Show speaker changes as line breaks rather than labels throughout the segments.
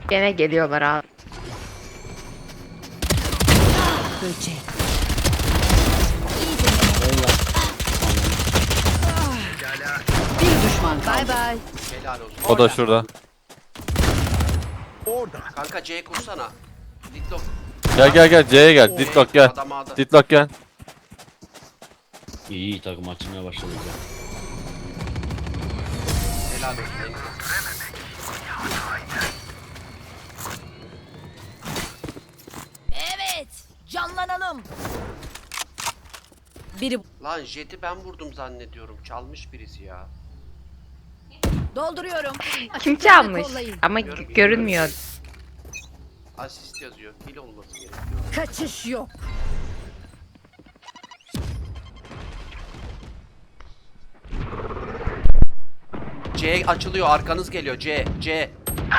Gene geliyorlar abi.
Böcek. Bir düşman kaldı.
Bay bay.
Helal olsun.
O da şurada.
Kanka C kursana. Dikdok.
Gel C'ye gel. Ditlock gel.
Adam A'da.
Ditlock gel.
İyi takım açmaya başladı.
Helal olsun. Engin.
Evet. Canlanalım.
Biri
Lan Jet'i ben vurdum zannediyorum. Çalmış birisi ya.
Dolduruyorum.
Kim
Açıklarını
çalmış?
kollayın.
Ama görünmüyor.
Asist yazıyor. Kill olması gerekiyor.
Kaçış yok.
C açılıyor. Arkanız geliyor. C.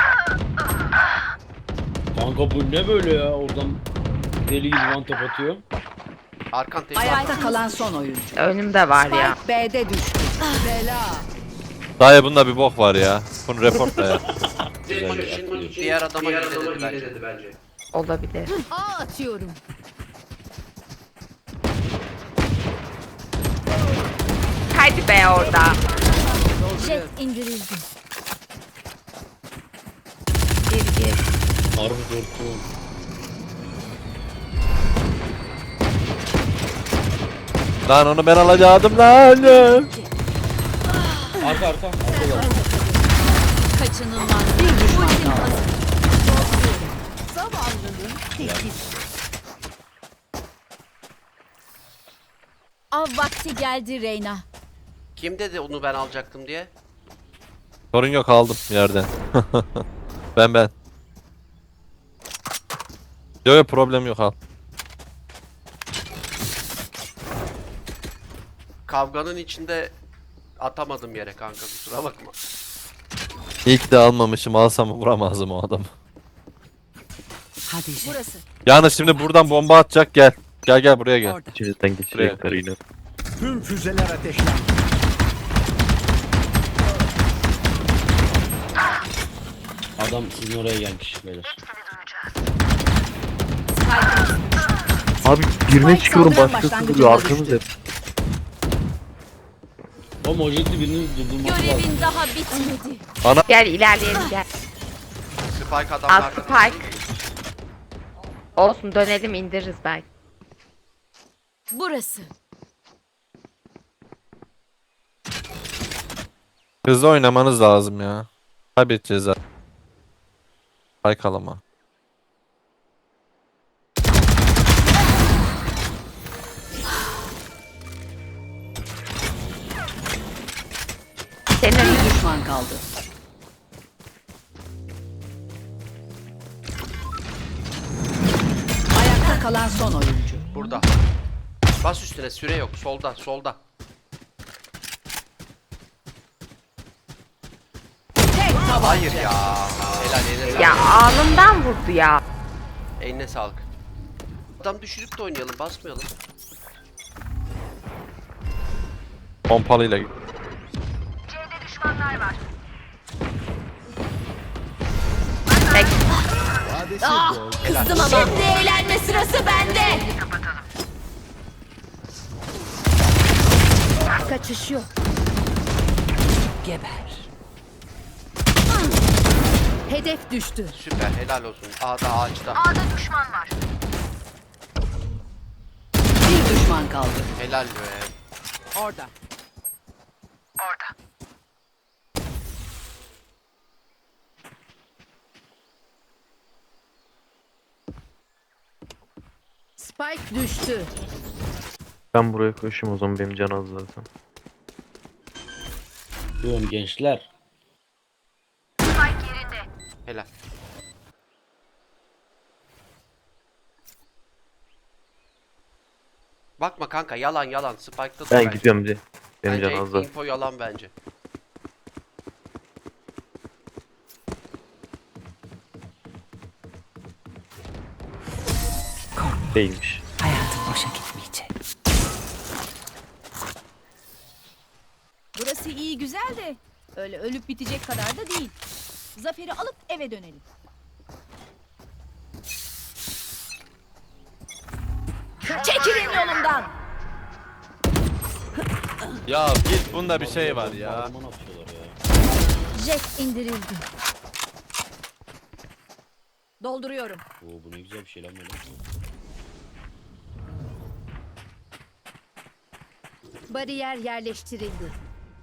Kanka bu ne böyle ya? Oradan deli gibi one tap atıyor.
Arkan tepki.
ayakta kalan son oyuncu.
Önümde var ya.
Spike B'de düştü. Bela.
Dayı bunda bir bok var ya. Bunu reportla ya.
Diğer adama gidildi bence.
Olabilir.
A atıyorum.
Hadi be orada.
Jet indirildi.
Gir.
Harbi korktum.
Lan onu ben alacaktım lan.
Arka arka.
Kaçınılmaz.
Bir düşman kaldı.
Zavallının teki. Av vakti geldi Reyna.
Kim dedi onu ben alacaktım diye?
Sorun yok, aldım yerden. ben. Yok problem yok, al.
Kavganın içinde atamadım yere kanka, kusura bakma.
İyi ki de almamışım, alsam vuramazdım o adamı.
Hadi Jet.
Burası.
Yalnız şimdi buradan bomba atacak, gel. Gel buraya gel.
Orada.
İçinizden geçecekler yine.
Tüm füzeler ateşlendi.
Adam sizin oraya gelmiş beyler.
Abi birine çıkıyorum
saldıran
başkası
başlangıcında
duruyor arkamız
düştü.
hep.
O mojeti birini durdurması lazım.
Görevin daha bitmedi.
Gel ilerleyelim gel.
Spike
Al
adamlarda.
Spike. Olsun, dönelim indiririz belki.
Burası.
Hızlı oynamanız lazım ya. Kaybedeceğiz zaten. Baykalama.
Senin
Bir düşman kaldı. Ayakta kalan son oyuncu.
Burada. Bas üstüne, süre yok. Solda.
Tek tabanca.
Hayır ya. Helal, eline sağlık.
ya alnımdan vurdu ya.
Eline sağlık. Adam düşürüp de oynayalım, basmayalım.
Pompalıyla git.
Tek.
Kızdım ama. Şimdi eğlenme sırası bende. Kaçış yok.
Geber. Hedef düştü.
Süper, helal olsun. A'da, ağaçta.
Bir düşman kaldı.
Helal be.
Orada.
Spike düştü.
Ben buraya koşayım o zaman, benim can az zaten.
Diyorum gençler.
Helal. Bakma kanka, yalan. Spike'da dur
Ben
bence.
gidiyorum diye. Benim
Bence
can az zaten.
info yalan bence.
Değilmiş.
Hayatım boşa gitmeyecek.
Burası iyi güzel de öyle ölüp bitecek kadar da değil. Zaferi alıp eve dönelim. Çekilin yolumdan.
Ya git, bunda bir şey var ya.
Aman atıyorlar ya.
Jet indirildi. Dolduruyorum.
Oo, bu ne güzel bir şey lan böyle.
Bariyer yerleştirildi.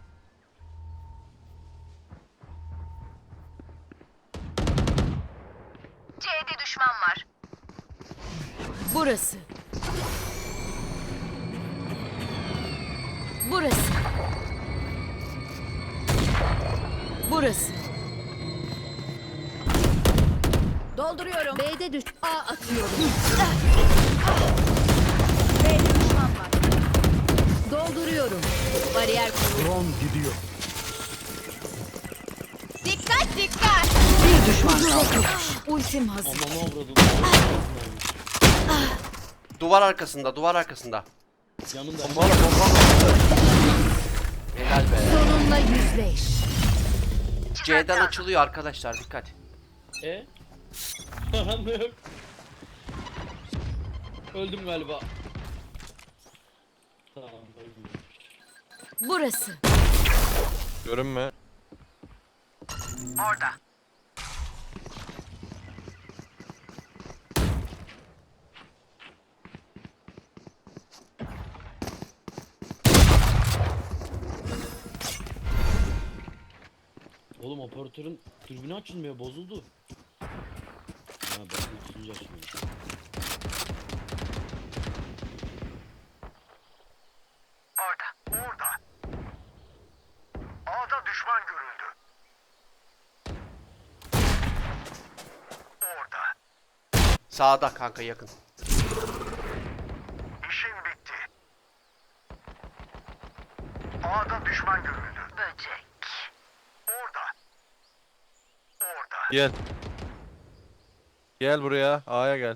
C'de düşman var.
Burası. Burası. Burası. Dolduruyorum. B'de düş. A atıyorum. B'de düşman var. Dolduruyorum. Bariyer kurulu.
Drone gidiyor.
Dikkat dikkat.
Bir düşman kaldı.
Ultim hazır.
Ananı avradım.
Duvar arkasında, duvar arkasında.
Yanında.
Helal be.
Sorunla yüzleş.
C'den açılıyor arkadaşlar, dikkat.
Anlıyorum. Öldüm galiba. Tamam öldüm.
Burası.
Görünme.
Orada.
Oğlum operatörün türbünü açılmıyor, bozuldu. Ha ben tutunca açılıyor.
Orada. A'da düşman görüldü. Orada.
Sağda kanka, yakın.
İşin bitti. A'da düşman görüldü.
Böcek.
Orada.
Gel. Gel buraya. A'ya gel.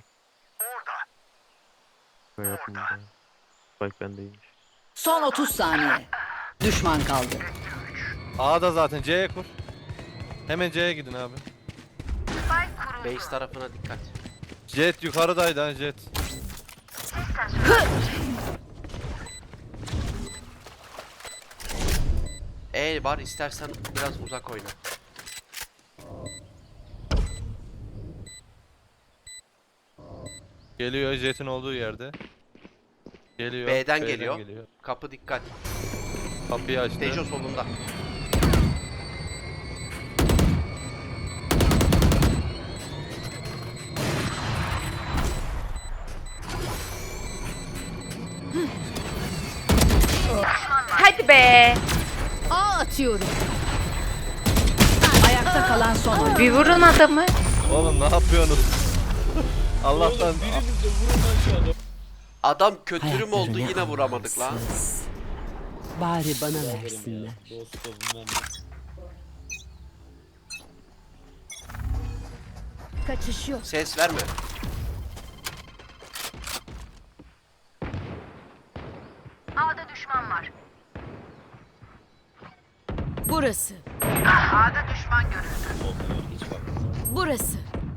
Hayatımda. Spike bendeymiş.
Son 30 saniye. Düşman kaldı.
A'da zaten, C'ye kur. Hemen C'ye gidin abi.
Base tarafına dikkat.
Jet yukarıdaydı ha, Jet.
Var, istersen biraz uzak oyna.
Geliyor Jet'in olduğu yerde. Geliyor.
B'den geliyor. Kapı dikkat.
Kapıyı açtı.
Tejo solunda.
Hadi be.
A atıyorum.
Ayakta kalan son oyuncu.
Bir vurun adamı.
Oğlum ne yapıyorsunuz? Allah'tan
Biriniz de vurun lan şu adamı.
Adam kötürüm oldu, yine vuramadık lan.
Bari bana
Aferin ya.
versinler.
Dostum ben de.
Kaçış yok.
Ses verme.
A'da düşman var.
Burası.
A'da düşman görüldü.
Olmuyor hiç bakma.
Burası.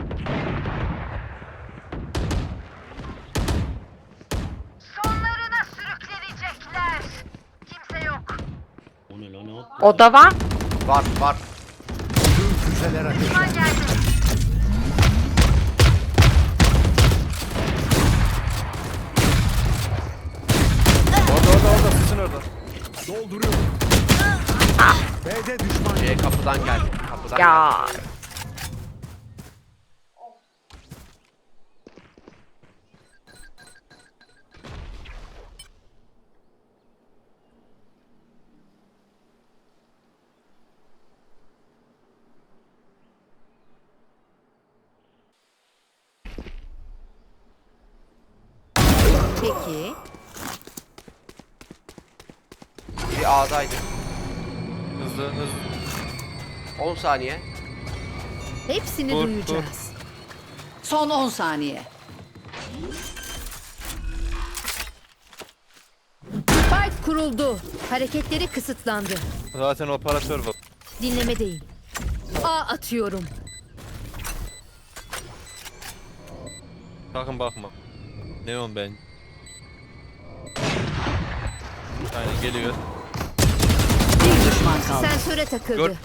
Sonlarına sürüklenecekler. Kimse yok.
O ne lan, ne attı?
O da var.
Var.
Tüm füzeler ateşlendi.
Düşman geldi.
orada sizin orada.
Dolduruyorum. B'de düşman
C kapıdan geldi. Kapıdan geldi.
Ya.
Peki.
Biri A'daydı.
Hızlı.
10 saniye.
Hepsini
Dur,
duyacağız.
Son 10 saniye.
Spike kuruldu. Hareketleri kısıtlandı.
Zaten operatör var.
Dinlemedeyim. A atıyorum.
Sakın bakma. Neon ben. Aynen geliyor.
Bir düşman kaldı.
Sensöre takıldı.
Gör.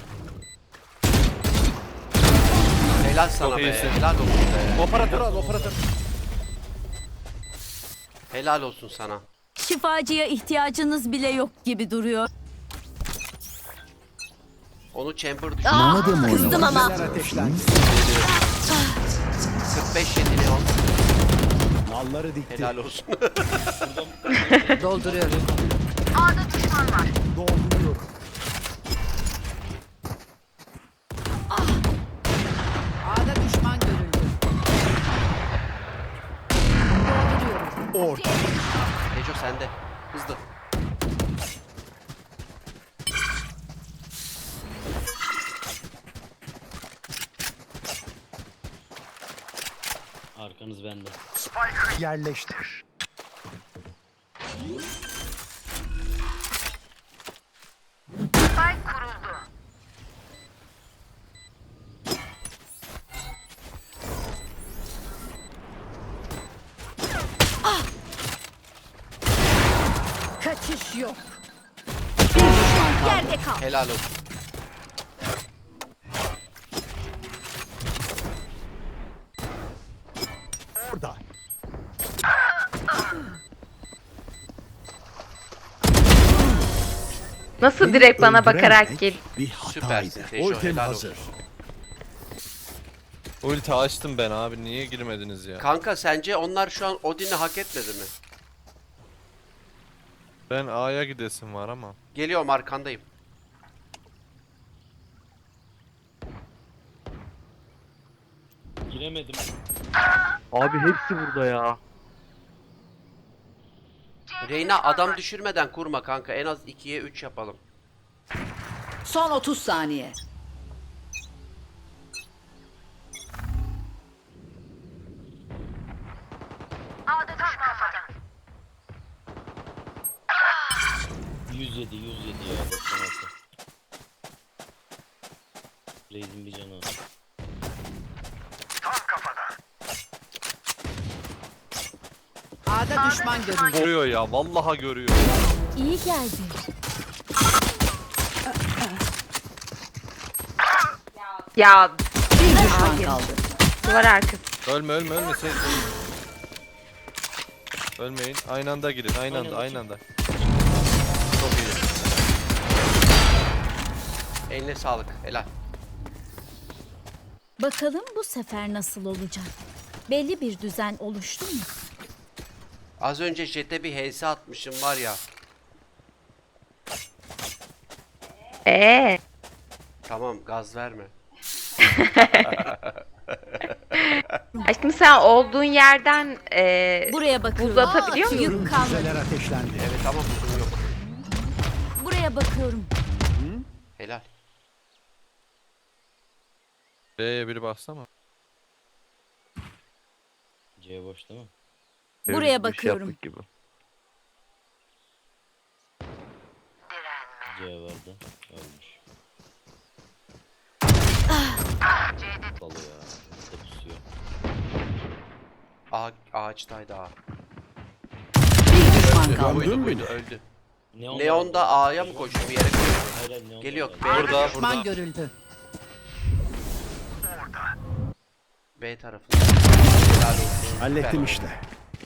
Helal sana
Çok
be.
iyisin.
Helal olsun be.
Operatör al operatör.
Helal olsun sana.
Şifacıya ihtiyacınız bile yok gibi duruyor.
Onu chamber düşürdü.
Madem oynamak
kızdım ama.
füzeler ateşlendi.
45 yedi Leon.
Nalları dikti.
Helal olsun.
Dolduruyorum.
A'da düşman var.
Dolduruyorum.
A'da düşman görüldü.
Orada.
Neco sende. Hızlı.
Arkanız bende.
Spike'ı yerleştir.
Spike kuruldu.
Kaçış yok.
Bir düşman kaldı.
Yerde kal.
Helal olsun.
Orada.
Nasıl
Beni
direkt bana
öldürememek
bakarak gel.
Bir hataydı.
Süpersin Tejo,
Ultim
helal
hazır.
olsun.
Ulti açtım ben abi. Niye girmediniz ya?
Kanka sence onlar şu an Odin'i hak etmedi mi?
Ben A'ya gidesim var ama.
Geliyorum arkandayım.
Giremedim.
Abi hepsi burada ya.
Reyna adam düşürmeden kurma kanka. En az 2'ye 3 yapalım.
Son 30 saniye.
A'da düşman var.
107 ya 96. Raze'in bir canı var.
Tam kafada.
A'da düşman görüldü.
Görüyor ya. Vallahi görüyor.
İyi geldi.
Ya
Bir düşman kaldı.
duvar arkası.
Ölme ölme ölme. Sen... Ölmeyin. Aynı anda girin. Aynı anda. Çok iyi.
Eline sağlık. Helal.
Bakalım bu sefer nasıl olacak? Belli bir düzen oluştu mu?
Az önce Jet'e bir HS atmışım var ya. Tamam gaz verme.
Aşkım sen olduğun yerden
Buraya bakıyorum.
buz atabiliyor musun?
Yük kalmadı.
Füzeler ateşlendi.
Evet ama buzum yok.
Buraya bakıyorum.
Helal.
B'ye biri baksana.
C boş değil mi?
Buraya
Bir şey
bakıyorum.
yaptık gibi.
C vardı. Ölmüş. Dalı ya. Burada pusuyor.
Ağaçtaydı A.
Bir düşman kaldı.
Öldü.
Neon,
Neon da A'ya mı koştu bir yere koştu?
Hayır hayır Neon.
Geliyor.
da
B,
var.
Burada
Düşman
burada.
görüldü.
B tarafında. Helal olsun.
Hallettim
Süper.
işte.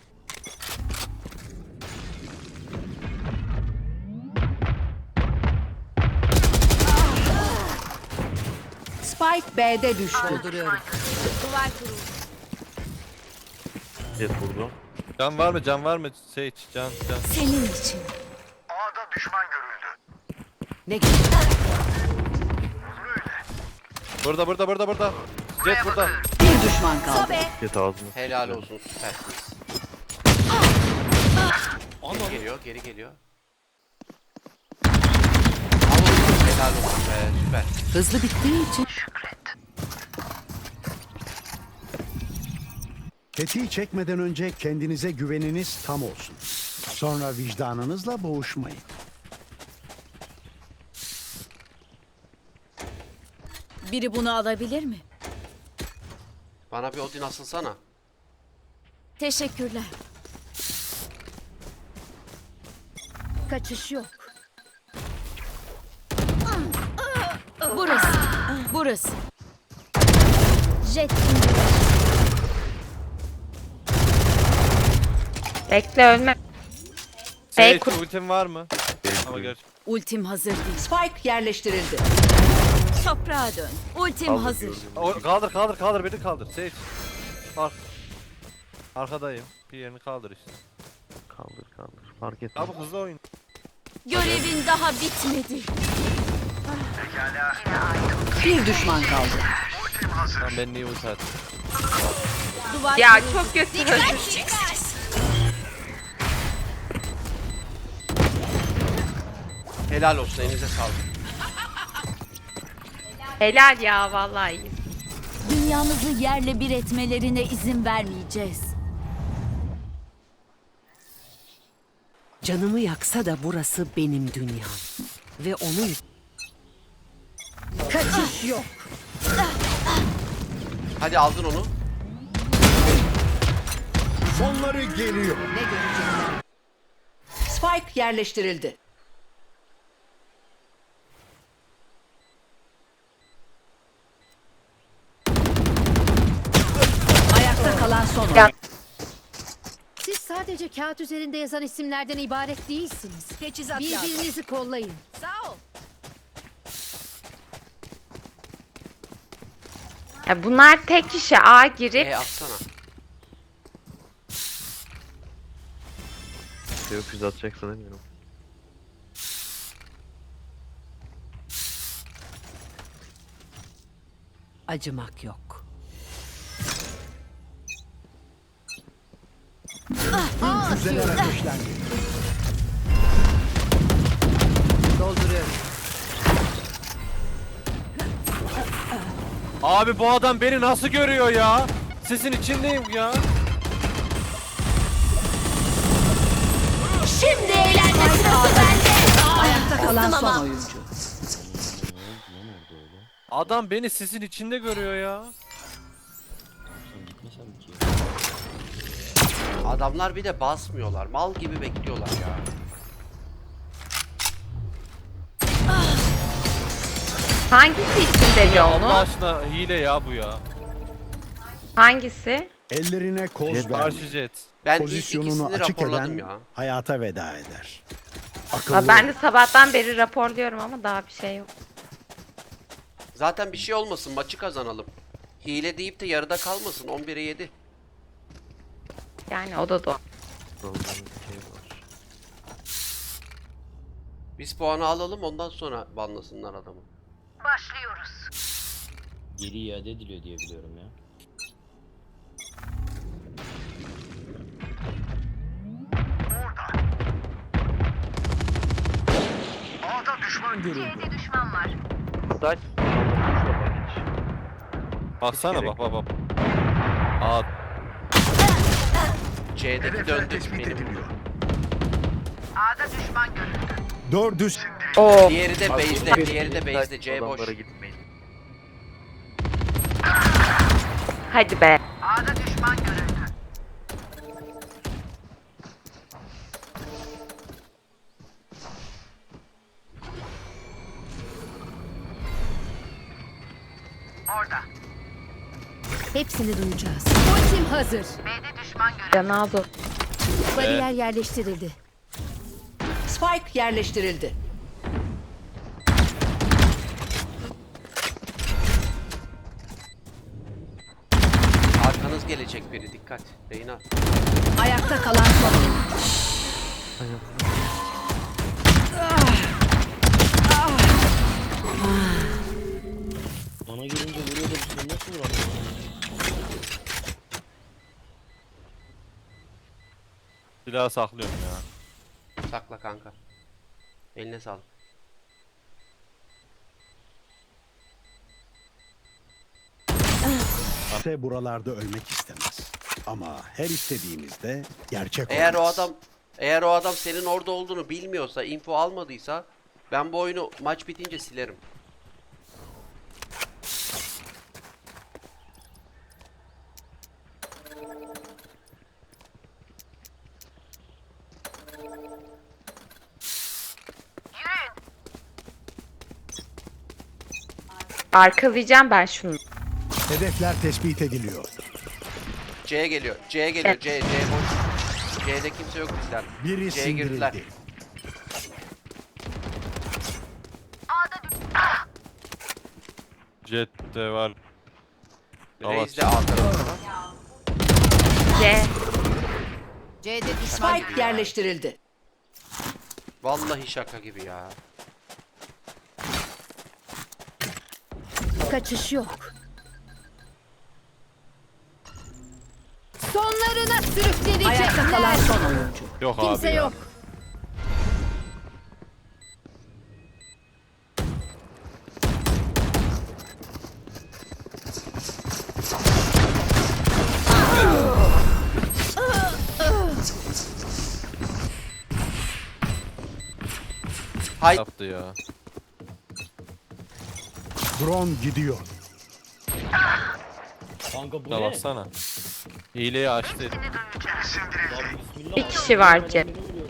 Spike B'de düştü. Dolduruyorum.
Jet vurdu.
Can var mı? Can var mı? Sage can.
Senin için.
A'da düşman görüldü.
Ne güzel.
Burada. Jet burada.
Bir düşman kaldı.
Sobe.
Jet ağzını.
Helal olsun süpersiniz. Geri geliyor, geri geliyor. Al olsun, helal olsun be, süper.
Hızlı bittiği için.
Tetiği çekmeden önce kendinize güveniniz tam olsun. Sonra vicdanınızla boğuşmayın.
Biri bunu alabilir mi?
Bana bir Odin asılsana.
Teşekkürler. Kaçış yok. Burası. Burası. Jet indi.
Bekle ölme.
Sage
kur-
ultim var mı? Ama gerçi.
Ultim hazır değil. Spike yerleştirildi.
Toprağa dön. Ultim
Kaldır
hazır.
gördüğüm.
Kaldır beni kaldır. Sage. Arkadayım. Bir yerini kaldır işte.
Kaldır. Fark etme.
Abi hızlı oyun.
Görevin daha bitmedi.
Bir düşman kaldı.
Tamam ben niye ulti attım?
Duvar
Ya
kırıldı.
çok kötü.
Helal olsun, elinize sağlık.
Helal ya vallahi iyi.
Dünyamızı yerle bir etmelerine izin vermeyeceğiz.
Canımı yaksa da burası benim dünyam. Ve onun... Kaçış yok.
Hadi aldın onu.
Sonları geliyor.
Ne görecekler? Spike yerleştirildi. Ayakta kalan son
Ya-
oyuncu.
Siz sadece kağıt üzerinde yazan isimlerden ibaret değilsiniz.
Teçhizat
Birbirinizi kollayın.
Sağ ol.
Ya bunlar tek kişi A girip
Atsana.
Öküz atacaksa demiyorum.
Acımak yok.
Füzeler ateşlendi.
Dolduruyorum.
Abi bu adam beni nasıl görüyor ya? Sesin içindeyim ya.
Şimdi eğlenme sırası bende.
Ayakta kalan
Kızdım
son
ama.
oyuncu.
Ne oldu lan orada öyle?
Adam beni sesin içinde görüyor ya.
Sen gitmesen mi ki?
Adamlar bir de basmıyorlar. Mal gibi bekliyorlar ya.
hangisi için dedi
Allah
onu?
aşkına hile ya bu ya.
Hangisi?
Ellerine koz
Karşı
vermeyin.
jet.
Ben ilk
Pozisyonunu
ikisini
açık
raporladım
eden
ya.
hayata veda eder.
Ha,
Akıllı
ben
ol.
de sabahtan beri raporluyorum ama daha bir şey yok.
Zaten bir şey olmasın, maçı kazanalım. Hile deyip de yarıda kalmasın. 11'e 7.
Yani o da doğru.
Doğru, bir şey var.
Biz puanı alalım, ondan sonra banlasınlar adamı.
Başlıyoruz.
Geri iade ediliyor diye biliyorum ya.
C'de düşman var.
Saç.
Baksana bak. Aa,
C'deki döndü benim.
A'da düşman görüldü.
Dördü
Oo.
Diğeri de base'de, diğeri de base'de. C boş.
Adamlara gitmeyin.
Hadi be.
A'da düşman görüldü. Orada.
Hepsini duyacağız. Ultim hazır.
B'de düşman görüldü.
Cenazo.
Bariyer yerleştirildi.
Spike yerleştirildi.
Arkanız gelecek biri, dikkat. Reyna.
Ayakta kalan son oyuncu.
Bana gelince vuruyor da sen nasıl vuramıyorsun?
silahı saklıyorum ya.
Sakla kanka. Eline sağlık.
ise buralarda ölmek istemez. Ama her istediğimizde gerçek
Eğer
olmaz.
o adam senin orada olduğunu bilmiyorsa, info almadıysa ben bu oyunu maç bitince silerim.
Arkalayacağım ben şunu.
Hedefler tespit ediliyor.
C'ye geliyor. C'ye geliyor.
Evet.
C boş. C'de kimse yok bizden.
Biri
C'ye girdiler.
sindirildi.
Jet de var.
Reis de A tarafında.
C.
C'de düşman Spike yerleştirildi.
Vallahi şaka gibi ya.
Kaçış yok. Sonlarına sürükleyecekler.
Ayakta kalan son oyuncu.
Yok
Kimse
abi ya.
yok.
Hay
Yaptı ya.
Drone gidiyor.
Kanka bu
Da
ne?
baksana. Hileyi açtı.
Lan bismillah.
Bir kişi var Jet.
Beni vuruyor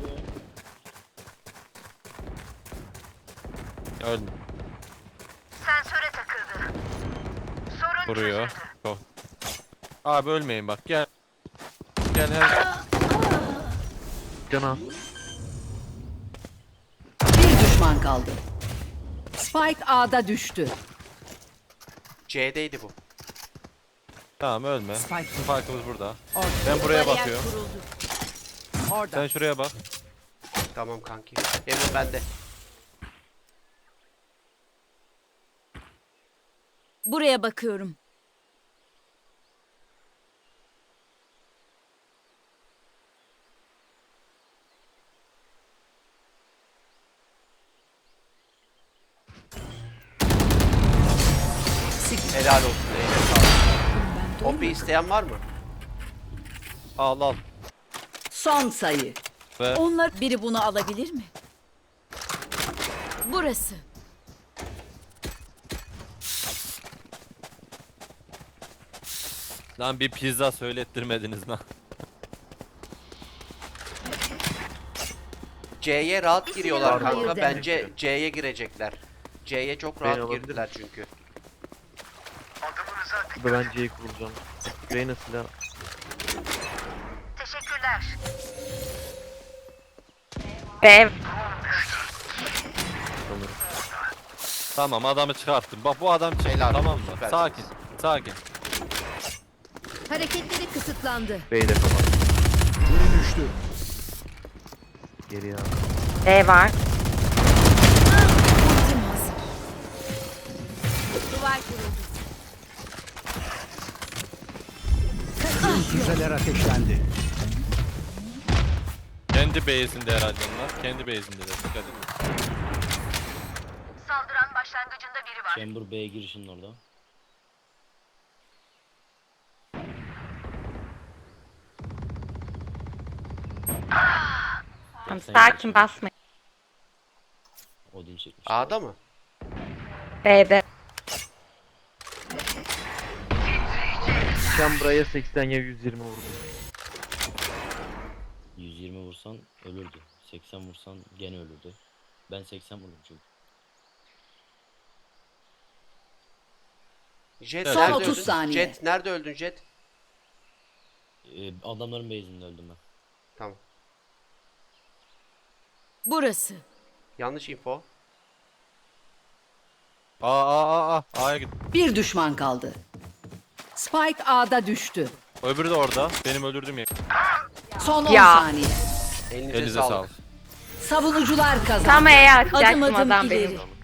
ya.
Öldü.
Sensöre takıldı. Sorun
Vuruyor. Çok. Abi ölmeyin bak gel. Gel her.
Can al.
Bir düşman kaldı. Spike A'da düştü.
C'deydi bu.
Tamam ölme.
Spike.
Farkımız burada. Ben buraya bakıyorum.
Orada.
Sen şuraya bak.
Tamam kanki. Emin bende.
Buraya bakıyorum.
Helal olsun. Eline sağlık. Hopi isteyen var mı?
Al al.
Son sayı.
Ve
Onlar biri bunu alabilir mi? Burası.
lan bir pizza söylettirmediniz lan.
C'ye rahat giriyorlar
Hayır
kanka.
deme.
Bence C'ye girecekler. C'ye çok
Ben
rahat
alabilirim.
girdiler çünkü.
Burada ben C'yi kuracağım. Reyna silah.
teşekkürler.
B.
Sanırım.
Tamam adamı çıkarttım. Bak bu adam çıktı
Helal
tamam
olsun,
mı?
süper.
Sakin. Sakin.
Hareketleri kısıtlandı.
B'de kalan.
Biri düştü.
Geri ya.
B var.
Ultim hazır. Duvar kuruldu.
Füzeler ateşlendi.
Kendi base'inde herhalde onlar. Kendi base'inde de. Dikkat edin.
Saldıran başlangıcında biri var.
Chamber B girişinin orada.
Tamam, sakin basmayın.
Odin çekmiş.
A'da mı?
B'de.
Chambra'ya 80 ya 120 vurdum.
120 vursan ölürdü. 80 vursan gene ölürdü. Ben 80 vurdum çünkü.
Jet
Evet.
Son
nerede
30
öldün?
saniye.
Jet nerede öldün Jet?
Adamların base'inde öldüm ben.
Tamam.
Burası.
Yanlış info.
A'ya git.
Bir düşman kaldı. Spike A'da düştü.
Öbürü de orada. Benim öldürdüğüm yer.
Son 10
Ya.
saniye.
Elinize,
Elinize
sağlık.
sağlık.
Savunucular kazandı.
Tam E'ye
Adım
atacaktım
adım
adam
ileri.
benim.